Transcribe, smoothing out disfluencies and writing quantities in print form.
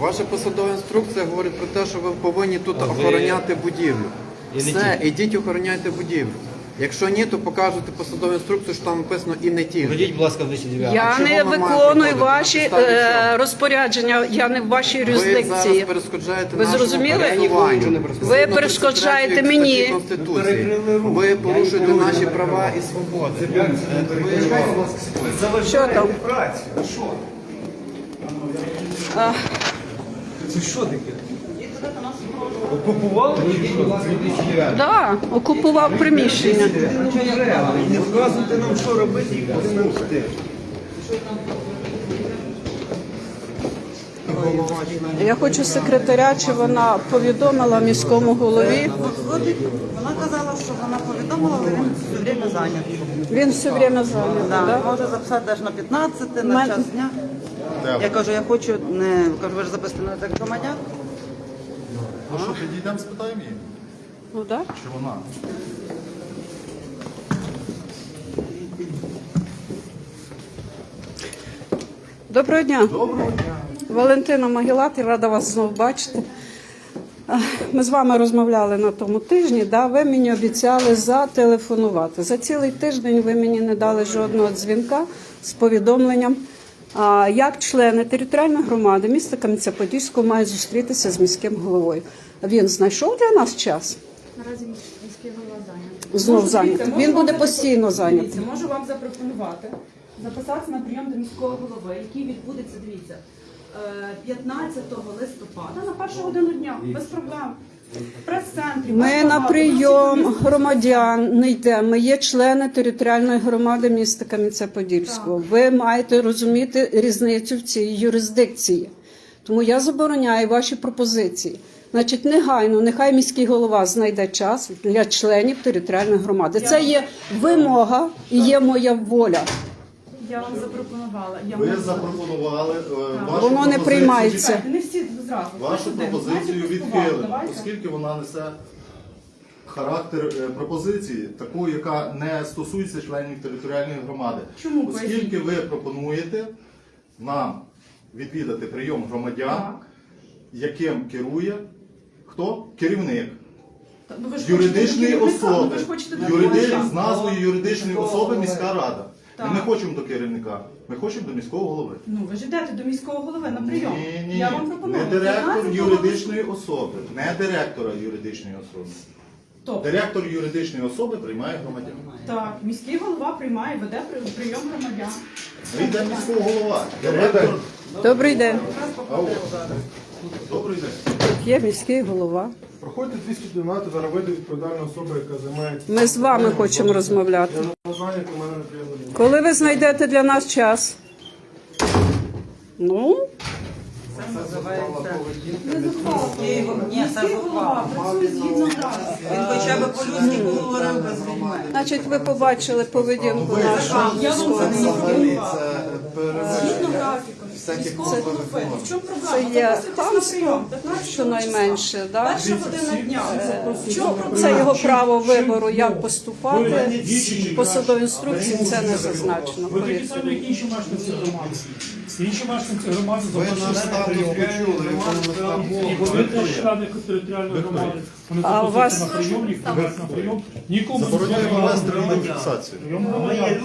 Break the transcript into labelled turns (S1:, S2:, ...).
S1: Ваша посадова інструкція говорить про те, що ви повинні тут охороняти будівлю. Все, ідіть охороняйте будівлю. Якщо ні, то покажете посадову інструкцію, що там написано і не тільки.
S2: Ходіть, будь ласка, в 209.
S3: Я не виконую ваші розпорядження, я не в вашій
S1: Ви
S3: юрисдикції.
S1: зараз перешкоджаєте
S3: Ви
S1: нашому
S3: зрозуміли?
S1: пересуванню.
S3: Ви перешкоджаєте мені.
S1: Конституції. Ви порушуєте наші права і свободи.
S3: Що там?
S4: Це що таке? Окупували чи що?
S3: Так, окупував приміщення.
S4: Не вказуйте нам, що робити, і куди нам йти.
S3: Я хочу секретаря, чи вона повідомила міському голові.
S5: Вона казала, що вона повідомила, але він все время зайнятий.
S3: Він все время зайнятий,
S5: Да,
S3: так?
S5: може записати навіть на 15, на час дня. Я кажу, я хочу, кажу, ви ж записати на так громадян.
S6: Ну що, підійдемо, спитаємо її,
S3: Ну так.
S6: чи вона?
S3: Доброго дня. Доброго дня. Валентина Могилати, рада вас знову бачити. Ми з вами розмовляли на тому тижні, да? Ви мені обіцяли зателефонувати. За цілий тиждень ви мені не дали жодного дзвінка з повідомленням, як члени територіальної громади міста Кам'янця-Подільського мають зустрітися з міським головою. Він знайшов для нас час?
S7: Наразі міський голова зайнятий.
S3: Знов зайнятий. Він буде постійно зайнятий.
S7: Дивіться, можу вам запропонувати записатися на прийом до міського голови, який відбудеться, дивіться, 15 листопада на першу годину дня, без проблем. В прес-центрі.
S3: Ми на прийом громадян не йдемо. Ми є члени територіальної громади міста Кам'янця-Подільського. Ви маєте розуміти різницю в цій юрисдикції. Тому я забороняю ваші пропозиції. Значить, негайно, нехай міський голова знайде час для членів територіальної громади. Це є вимога і є моя воля.
S7: Я вам запропонувала.
S6: Ви запропонували вашу
S3: Воно не
S6: пропозицію
S3: приймається.
S7: Не всі зразу.
S6: Вашу пропозицію відхилено, оскільки вона несе характер пропозиції, такої, яка не стосується членів територіальної громади.
S7: Чому?
S6: Оскільки ви пропонуєте нам відвідати прийом громадян,
S7: Так.
S6: яким керує хто? Керівник.
S7: Ну, ви ж
S6: Юридичної
S7: хочете до керівника,
S6: особи,
S7: ви ж хочете до керівника.
S6: з назвою юридичної особи міська рада.
S7: Так.
S6: Ми не хочемо до керівника, ми хочемо до міського голови.
S7: Ну, ви ж йдете до міського голови на прийом.
S6: Ні,
S7: Я вам пропоную.
S6: не директор
S7: 15
S6: юридичної особи, не директора юридичної особи.
S7: Тобто,
S6: Директор юридичної особи приймає громадян.
S7: так, міський голова приймає, веде прийом громадян.
S6: Ми йде міського голова. Директор.
S3: Добрий день.
S6: Добрий день.
S3: Тут є міський голова.
S8: Проходьте 212, зараз вийде відповідальна особа, яка займається.
S3: Ми з вами хочемо розмовляти.
S8: Я не знаю, у мене неприємно.
S3: Коли ви знайдете для нас час? Ну,
S5: Ні, це зухвало.
S7: Працює згідно графіку.
S5: Він хоча б по-людськи поговорив без людьми.
S3: значить, ви побачили поведінку нашого міського голови.
S7: Згідно графіку. Міського голови. В чому проблема?
S3: Це є
S7: Запроситись на
S3: хамство,
S7: прийом 15
S3: щонайменше. Да?
S7: Перша година дня. В чому проблема?
S3: Це його право вибору, як поступати. В посадовій інструкції це не зазначено.
S9: Ви такі
S3: Повірте.
S9: самі, як інші мешканці громади. Інші мешканці громади
S6: Ви наш
S9: запрошені на
S6: статус
S9: прийом.
S6: почули, якщо ми
S9: І вони теж члени територіальної громади. Вони
S3: А у вас-
S9: запрошуються на прийом, їх привезли на прийом. Нікому не
S6: Забороняємо
S9: забороняємо
S6: вести на фіксацію.
S9: прийом громадян.